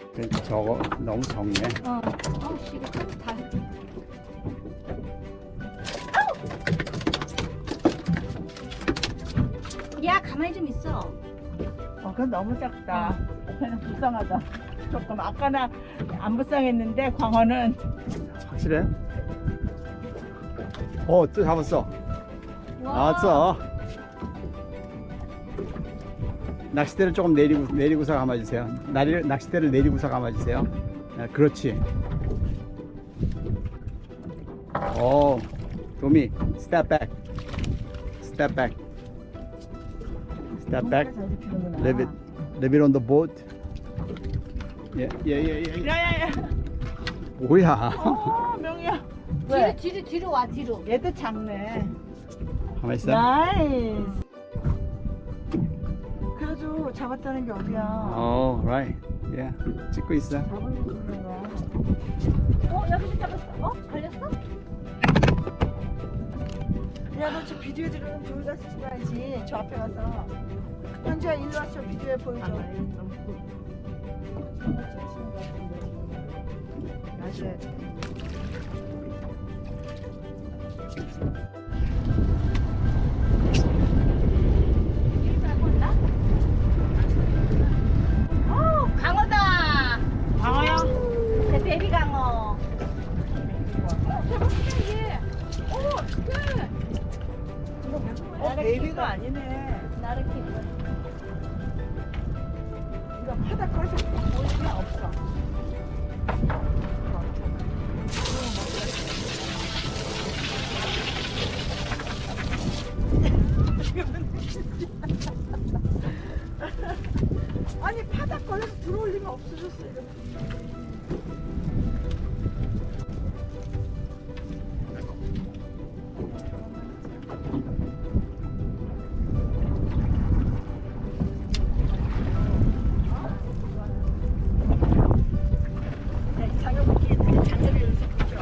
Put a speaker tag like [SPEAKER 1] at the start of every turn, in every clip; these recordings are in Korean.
[SPEAKER 1] 저거 너무 적네.
[SPEAKER 2] 씨, 이거 다. 야, 가만히 좀 있어.
[SPEAKER 3] 그건 너무 작다. 걔는 불쌍하다. 조금 아까는 안 불쌍했는데 광어는
[SPEAKER 1] 확실해? 또 잡았어. 나왔어. 낚싯대를 조금 내리고서 감아주세요. 낚싯대를 내리고서 감아주세요. 그렇지. 도미, step back. Step back. Step back.
[SPEAKER 3] 잘 잡히는구나.
[SPEAKER 1] Leave it on the boat. 예.
[SPEAKER 3] 야야야.
[SPEAKER 1] 뭐야?
[SPEAKER 3] 명이야.
[SPEAKER 2] 뒤로 와, 뒤로.
[SPEAKER 3] 얘도 작네.
[SPEAKER 1] 가만 있어.
[SPEAKER 3] 나이스. 그래도 잡았다는 게 어디야?
[SPEAKER 1] Right. 찍고 있어.
[SPEAKER 3] 잡은 게 좋은 거야.
[SPEAKER 2] 여기서 잡았어. 걸렸어?
[SPEAKER 3] 야, 너 저 비디오 들으면 저기 가서 찍어야지. 저 앞에 가서. 현주야, 일로 와. 저 비디오에 보여줘. 놔줘야 돼.
[SPEAKER 2] 강어다.
[SPEAKER 3] 광어야?
[SPEAKER 2] 내 베비 강어.
[SPEAKER 3] 베이비가 아니네.
[SPEAKER 2] 나르키.
[SPEAKER 3] 이거 바닥 걸어서 보이면 없어. 아니 바닥 걸려서 들어올 리가 없어졌어 이거. 자격있게 자세를 연습하죠.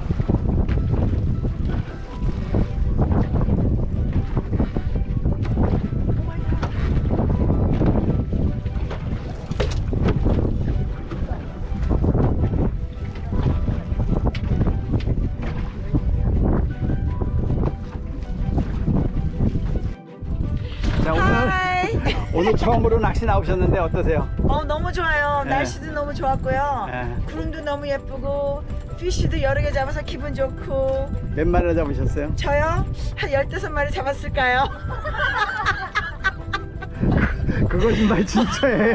[SPEAKER 1] 자, 오늘 처음으로 낚시 나오셨는데 어떠세요?
[SPEAKER 3] 너무 좋아요.
[SPEAKER 1] 네.
[SPEAKER 3] 날씨도 너무 좋았고요.
[SPEAKER 1] 네.
[SPEAKER 3] 구름도 너무 예쁘고 피쉬도 여러 개 잡아서 기분 좋고.
[SPEAKER 1] 몇 마리나 잡으셨어요?
[SPEAKER 3] 저요? 한 15마리 잡았을까요?
[SPEAKER 1] 그거 정말 진짜예요?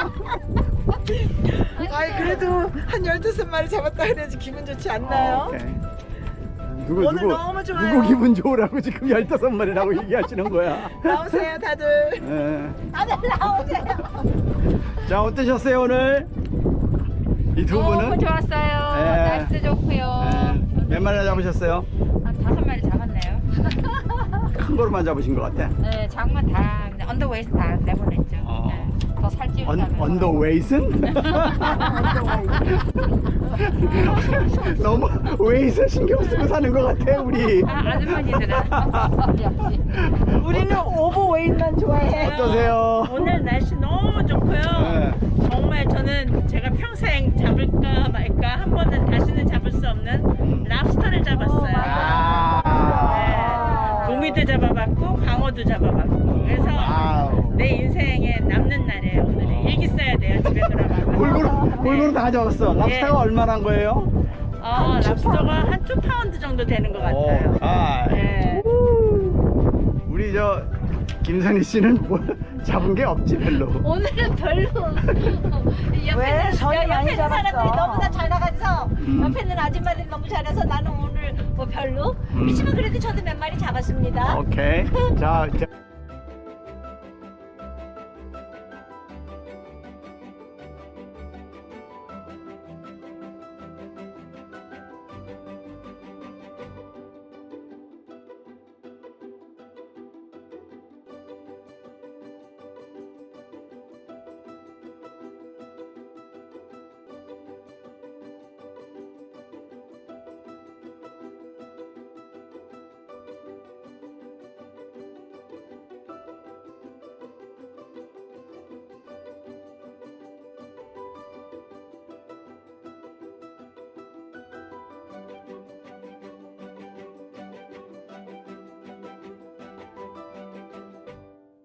[SPEAKER 3] 아이 그래도 한 15마리 잡았다 그래야지 기분 좋지 않나요?
[SPEAKER 1] 오케이.
[SPEAKER 3] 오늘 너무 좋아요.
[SPEAKER 1] 누구 기분 좋으라고 지금 15마리라고 얘기하시는 거야?
[SPEAKER 3] 나오세요 다들.
[SPEAKER 1] 예.
[SPEAKER 2] 다들 나오세요.
[SPEAKER 1] 자, 어떠셨어요 오늘? 이 두 분은?
[SPEAKER 4] 너무 좋았어요.
[SPEAKER 1] 네.
[SPEAKER 4] 날씨도 좋고요.
[SPEAKER 1] 몇 마리나 잡으셨어요?
[SPEAKER 4] 한 5마리 잡았네요.
[SPEAKER 1] 큰 거로만 잡으신 것 같아.
[SPEAKER 4] 네, 장만 다 그냥 언더웨이스 다 내보냈죠. 네, 더 살찌우다면.
[SPEAKER 1] 언더웨이슨? 너무 웨이스 신경 쓰고 사는 것 같아 우리.
[SPEAKER 4] 아주머니들은 역시.
[SPEAKER 3] 우리는 오버웨이만 좋아해.
[SPEAKER 1] 어떠세요?
[SPEAKER 5] 오늘 날씨 너무 좋고요.
[SPEAKER 1] 네.
[SPEAKER 5] 정말 저는 제가 평생 잡을까 말까 한 번은 다시는 잡을 수 없는 랍스터를 잡았어요. 네. 도미도 잡아봤고 광어도 잡아봤고 그래서
[SPEAKER 1] 와우.
[SPEAKER 5] 내 인생에 남는 날이에요. 오늘은 일기 써야 돼요. 집에 들어가면.
[SPEAKER 1] 골고루 다 잡았어. 랍스타가
[SPEAKER 5] 예.
[SPEAKER 1] 얼마나 한 거예요?
[SPEAKER 5] 랍스터가 한 2파운드 정도 되는 것 같아요. 네.
[SPEAKER 1] 우리 저 김선희 씨는 뭐 잡은 게 없지 별로.
[SPEAKER 2] 오늘은 별로.
[SPEAKER 3] 왜? 전이 많이
[SPEAKER 2] 옆에 있는
[SPEAKER 3] 잡았어.
[SPEAKER 2] 사람들이 너무나 잘 나가서 옆에 있는 아줌마들이 너무 잘해서 나는 오늘 뭐 별로. 그렇지만 그래도 저도 몇 마리 잡았습니다.
[SPEAKER 1] 오케이. 자.